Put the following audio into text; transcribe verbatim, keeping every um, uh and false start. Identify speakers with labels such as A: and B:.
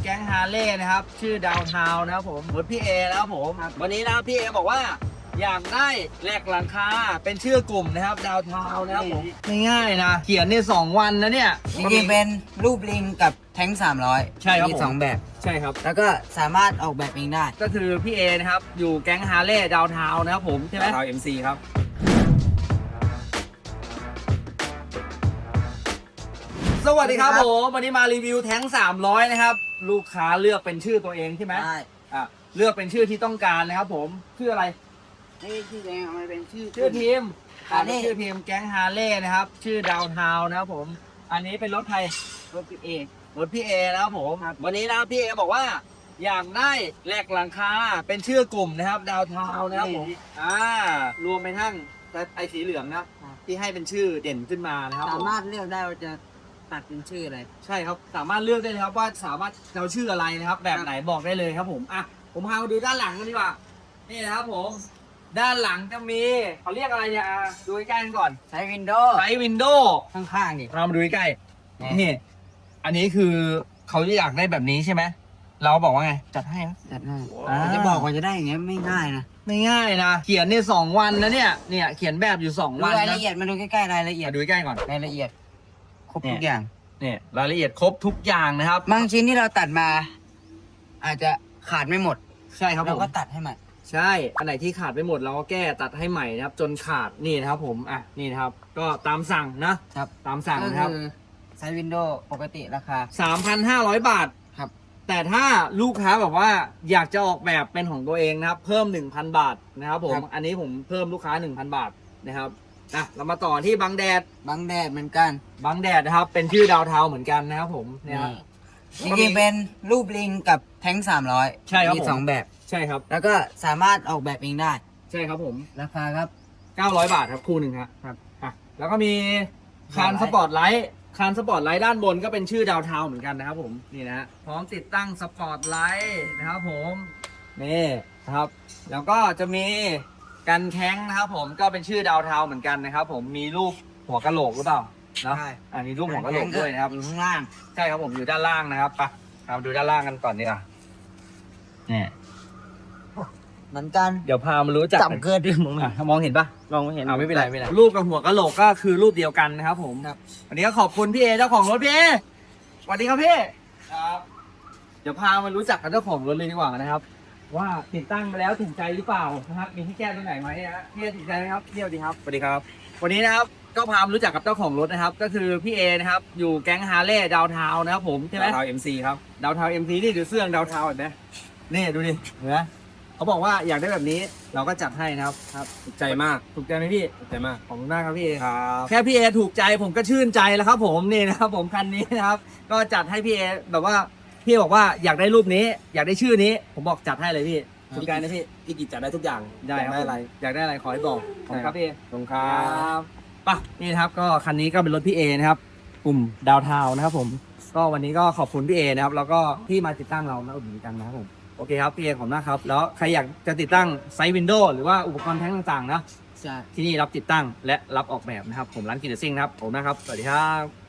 A: แก๊งฮาร์เลย์นะครับชื่อดาวทาวน์นะครับผมรถพี่เอนะครับผมวันนี้นะครับพี่เอบอกว่าอยากได้แลกหลังคาเป็นชื่อกลุ่มนะครับดาวทาวน์นะครับผมง่ายๆนะเขียนในสองวันนะเนี่ย
B: จริงๆเป็นรูปลิงกับแท้งสามร้อย
A: ใช่ครับผม
B: มีสองแบบ
A: ใช่ครับ
B: แล้วก็สามารถออกแบบเองได้
A: ก็คือพี่เอนะครับอยู่แก๊งฮาร์เลย์ดาวทาวน์นะครับผมใช่ไหมดาวเอ็มซีครับสวัสดีครับผมวันนี้มารีวิวแท้งสามร้อยนะครับลูกค้าเลือกเป็นชื่อตัวเองใช่ไหม
B: ใช่
A: อ่ะเลือกเป็นชื่อที่ต้องการนะครับผมชื่ออะไร
B: นี่ที่แดงเอามาเป็นชื่อ
A: ชื่อทีม
B: อันนี้
A: ชื่อทีมแก๊งฮาร์เลย์นะครับชื่อดาวทาวน์นะครับผมอันนี้เป็นรถไทย
B: รถพี่เอ
A: รถพี่เอนะครับผมวันนี้นะครับพี่เอบอกว่าอยากได้แหลกหลังคาเป็นชื่อกลุ่มนะครับดาวทาวน์นะครับผมอ่ารวมไปทั้งไอสีเหลืองนะครับที่ให้เป็นชื่อเด่นขึ้นมานะครับ
B: สามารถเลือกได้ว่าจะตัดเป็นชื่ออะไร
A: ใช่ครับสามารถเลือกได้เลยครับว่าสามารถเราชื่ออะไรนะครับแบบไหนบอกได้เลยครับผมอ่ะผมพามาดูด้านหลังกันดีกว่านี่นะครับผมด้านหลังจะมีเขาเรียกอะไรเนี่ยอ่ะดูใกล้ๆกันก่อน
B: ใช้วินโดว์
A: ใช้วินโดว์
B: ข้างๆดิ
A: เรามาดูใกล้ๆนี่อันนี้คือเขาอยากได้แบบนี้ใช่ไหมเราบอกว่าไงจัดให้นะ
B: จัดให้
A: อ่า
B: จะบอกว่าจะได้อย่างเงี้ยไม่ง่ายนะ
A: ไม่ง่ายนะเขียนในสองวันนะเนี่ยเนี่ยเขียนแบบอยู่สอง
B: ดู
A: วัน
B: ราย
A: นะ
B: ละเอียดมาดูใกล้ๆรายละเอียด
A: มาดูใกล้ๆก่อน
B: รายละเอียดครบทุกอย่าง
A: เนี่ยรายละเอียดครบทุกอย่างนะครับ
B: บางชิ้นที่เราตัดมา อาจจะขาดไม่หมด
A: ใช่ครับผ
B: เรา
A: ม
B: ก็ตัดให้ใหม่
A: ใช่ อันไหนที่ขาดไปหมดเราก็แก้ตัดให้ใหม่นะครับ จนขาดนี่นะครับผม อ่ะ นี่นะครับ ก็ตามสั่งนะ
B: ครับ
A: ตามสั่ง
B: ก็
A: นะครับ
B: คือใช้วินโดว์ปกติราคา
A: สามพันห้าร้อย บาท
B: ครับ
A: แต่ถ้าลูกค้าแบบว่าอยากจะออกแบบเป็นของตัวเองนะครับ เพิ่ม หนึ่งพัน บาทนะครับผม อันนี้ผมเพิ่มลูกค้า หนึ่งพัน บาทนะครับอ่ะเรามาต่อที่บังแดด
B: บางแดดเหมือนกัน
A: บังแดดนะครับ เป็นชื่อดาวเทาเหมือนกันนะครับผมเนี่ยครับ
B: จริงๆเป็นรูปลิงกับแท้งสามร้อย
A: ใช่ครับ
B: มี
A: ผม
B: สองแบบ
A: ใช่ครับ
B: แล้วก็สามารถออกแบบเองได้
A: ใช่ครับผม
B: ราคาครับ
A: เก้าร้อย บาทครับคู่หนึ่งครับครับอ่ะแล้วก็มีคานสปอร์ตไลท์คานสปอร์ตไลท์ด้านบนก็เป็นชื่อดาวเทาเหมือนกันนะครับผมนี่นะฮะพร้อมติดตั้งสปอร์ตไลท์นะครับผมนี่นะครับแล้วก็จะมีกันแข้งนะครับผมก็เป็นชื่อดาวเทาเหมือนกันนะครับผมมีรูปหัวกะโหลกหรือเปล่าเนาะ
B: ใช่
A: อันนี้รูปหัวกะโหลกด้วยนะครับ
B: อยู่ข้างล่าง
A: ใช่ครับผมอยู่ด้านล่างนะครับไปเราดูด้านล่างกันก่อนดีกว่าเนี่ย
B: เหมือนกัน
A: เดี๋ยวพามารู้จัก
B: จับเกินดิมึง
A: อ่ะมองเห็นปะ
B: ลองไม่เห็น
A: อ่าไม่เป็นไรไม่เป็นไรรูปกับหัวกะโหลกก็คือรูปเดียวกันนะครับผมครับวันนี้ก็ขอบคุณพี่เอเจ้าของรถพี่เอสวัสดีครับพี่ครับเดี๋ยวพามารู้จักกับเจ้าของรถเลยดีกว่านะครับ ว่าติดตั้งมาแล้วถูกใจหรือเปล่านะครับมีที่แก้ตรงไหนไหมฮะพี่เอถูกใจไหมครับพี่สวัสดีครับสวัสดีครับ วันนี้นะครับก็พามารู้จักกับเจ้าของรถนะครับ ก็คือพี่เอนะครับอยู่แก๊งฮาร์เลย์ดาวทาวน์นะครับผมใช่ไหม
C: ดาวเทาวเอ็มซีครับ
A: ดาวทาวเอ็มซีนี่ดูเสื้อดาวทาวเห็นไหมนี่ดูดิเห็นไหมเขาบอกว่าอยากได้แบบนี้เราก็จัดให้นะครับครับ
C: ถูกใจมาก
A: ถูกใจไหมพี่
C: ถูกใจมาก
A: ขอบคุณมากครับพี่เอ
C: ครับ
A: แค่พี่เอถูกใจผมก็ชื่นใจแล้วครับผมนี่นะครับผมคันนี้นะครับก็จัดให้พี่เอแบบว่าพี่บอกว่าอยากได้รูปนี้ อยากได้ชื่อนี้ ผมบอกจัดให้เลยพี่ถูกใจนะพี่
C: พี่กิจจัดได้ทุกอย่าง
A: ได้ครับ
C: ได้อะไร
A: อยากได้อะไรขอให้บอกขอบคุณครับพี่เอ
C: ตรงครั
A: ครับ บป่ะนี่นะครับก็คันนี้ก็เป็นรถพี่เอนะครับกลุ่มดาวทาวน์นะครับผมก็วันนี้ก็ขอบคุณพี่เอนะครับแล้วก็ที่มาติดตั้งเรามาอุดหนุนกันนะครับผมโอเคครับพี่เอขอบคุณมากครับแล้วใครอยากจะติดตั้งไซส์วินโดว์หรือว่าอุปกรณ์แท้งต่างๆนะ
B: ใช่
A: ที่นี่รับติดตั้งและรับออกแบบนะครับผมร้านกินเดซิ่งนะครับผมนะครับสวัสดีครับ